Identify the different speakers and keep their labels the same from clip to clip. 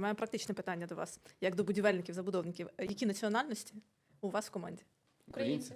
Speaker 1: мене практичне питання до вас, як до будівельників, забудовників. Які національності у вас в команді?
Speaker 2: Українці.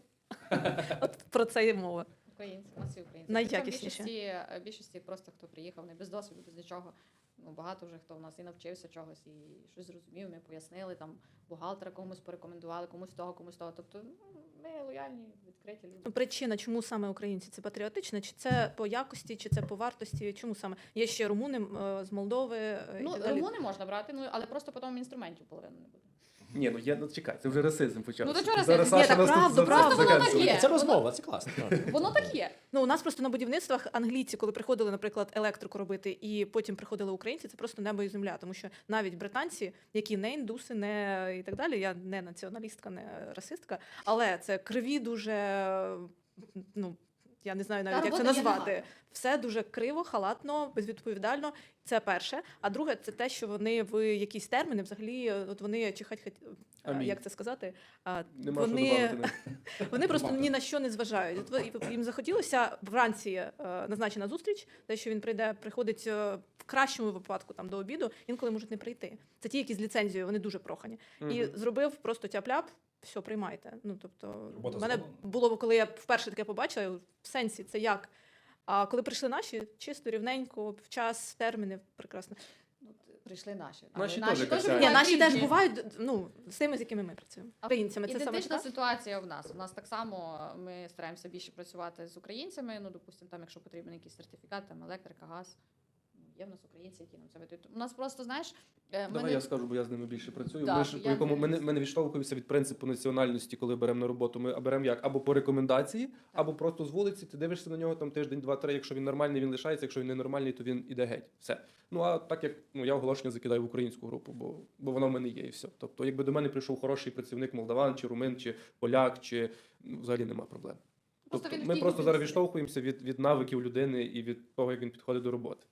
Speaker 1: От про це є мова.
Speaker 2: Українці, у нас всі українці.
Speaker 1: Найякісніше.
Speaker 2: Більшості просто хто приїхав не без досвіду, без нічого. Ну, багато вже хто в нас і навчився чогось, і щось зрозумів, ми пояснили, там, бухгалтера комусь порекомендували, комусь того, комусь того. Тобто, ми лояльні, відкриті люди.
Speaker 1: Причина, чому саме українці? Це патріотично, чи це по якості, чи це по вартості? Чому саме? Є ще румуни з Молдови і
Speaker 2: Ну,
Speaker 1: так далі.
Speaker 2: румуни можна брати, ну, але просто потім інструментів половини не буде.
Speaker 3: Ні, ну чекай, це вже расизм почався.
Speaker 2: Ну, то чого
Speaker 3: Зараз
Speaker 2: расизм?
Speaker 3: Саша
Speaker 1: Ні, так
Speaker 3: нас тут
Speaker 1: правда,
Speaker 2: воно так
Speaker 3: заканчує.
Speaker 2: є.
Speaker 4: Це розмова, це класно.
Speaker 2: Воно так є.
Speaker 1: Ну, у нас просто на будівництвах англійці, коли приходили, наприклад, електрику робити, і потім приходили українці, це просто небо і земля. Тому що навіть британці, які не індуси, не і так далі, я не націоналістка, не расистка, але це криві дуже, ну, я не знаю навіть, як це
Speaker 2: робота є
Speaker 1: назвати.
Speaker 2: багато.
Speaker 1: Все дуже криво, халатно, безвідповідально. Це перше. А друге, це те, що вони в якісь терміни взагалі, от вони
Speaker 3: Амінь.
Speaker 1: як це сказати,
Speaker 3: Нема що
Speaker 1: вони,
Speaker 3: добавити.
Speaker 1: вони просто ні на що не зважають. От їм захотілося вранці назначена зустріч, те, що він приходить в кращому випадку там до обіду, інколи можуть не прийти. Це ті, які з ліцензією, вони дуже прохані. І зробив просто тяп-ляп, все, приймайте. Ну, тобто,
Speaker 4: Робота
Speaker 1: в мене
Speaker 4: зроблена.
Speaker 1: було, коли я вперше таке побачила, в сенсі, це як? А коли прийшли наші, чисто, рівненько, в час, в терміни, прекрасно.
Speaker 2: Ну, прийшли наші.
Speaker 3: Наші
Speaker 2: Але
Speaker 3: теж косять.
Speaker 1: Ні,
Speaker 2: бувають
Speaker 1: наші теж
Speaker 2: різні.
Speaker 1: бувають, ну, з тими, з якими ми працюємо. Українцями, це саме
Speaker 2: Ідентична
Speaker 1: цікаво.
Speaker 2: ситуація в нас. У нас так само ми стараємося більше працювати з українцями. Ну, допустимо, там, якщо потрібен якийсь сертифікат, там електрика, газ. Ну, є в нас українці, які нам це видають. У нас просто, знаєш,
Speaker 3: Давай я скажу, бо я з ними більше працюю.
Speaker 2: Так,
Speaker 3: Ми ж,
Speaker 2: я
Speaker 3: по якому
Speaker 2: не-
Speaker 3: ми не відштовхуємося від принципу національності, коли беремо на роботу. Ми беремо як або по рекомендації, або просто з вулиці. Ти дивишся на нього там тиждень, два, три. Якщо він нормальний, він лишається. Якщо він ненормальний, то він іде геть. Все. Ну а так як я оголошення закидаю в українську групу, бо воно в мене є і все. Тобто, якби до мене прийшов хороший працівник молдаван, чи румин, чи поляк, чи взагалі нема проблем.
Speaker 2: Просто
Speaker 3: Тобто,
Speaker 2: він
Speaker 3: ми
Speaker 2: втік
Speaker 3: просто
Speaker 2: від
Speaker 3: зараз
Speaker 2: себе.
Speaker 3: відштовхуємося від навиків людини і від того, як він підходить до роботи.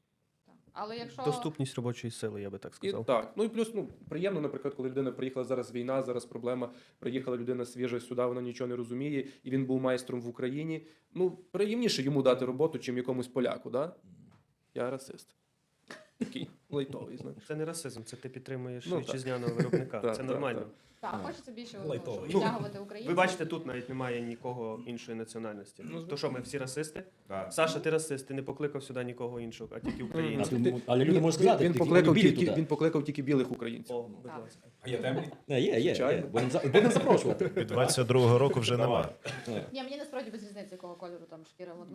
Speaker 2: Але якщо
Speaker 5: Доступність робочої сили, я би так
Speaker 3: І
Speaker 5: сказав.
Speaker 3: так, ну і плюс, приємно, наприклад, коли людина приїхала, зараз війна, зараз проблема, приїхала людина свіжа сюди, вона нічого не розуміє, і він був майстром в Україні. Ну, приємніше йому дати роботу, чим якомусь поляку, да? Я расист. Такий лайтовий, знаєш.
Speaker 5: Це не расизм, це ти підтримуєш
Speaker 3: Ну, так.
Speaker 5: вітчизняного виробника.
Speaker 3: Так,
Speaker 5: Це
Speaker 3: так,
Speaker 5: нормально.
Speaker 3: так.
Speaker 2: так, хочеться більше
Speaker 4: Лайтовий.
Speaker 2: щоб відтягувати українців.
Speaker 5: Ви бачите, тут навіть немає нікого іншої національності. То що, ми всі расисти? Саша, ти расист, ти не покликав сюди нікого іншого, а тільки українців.
Speaker 4: Але люди можуть сказати,
Speaker 3: Він покликав тільки білих українців.
Speaker 5: О, будь
Speaker 2: Так.
Speaker 5: ласка.
Speaker 4: А є темні? Є.
Speaker 3: Звичайно.
Speaker 4: Будемо запрошувати.
Speaker 6: Від 22-го року вже немає.
Speaker 2: Ні, мені насправді без різниці, якого кольору там шкіра.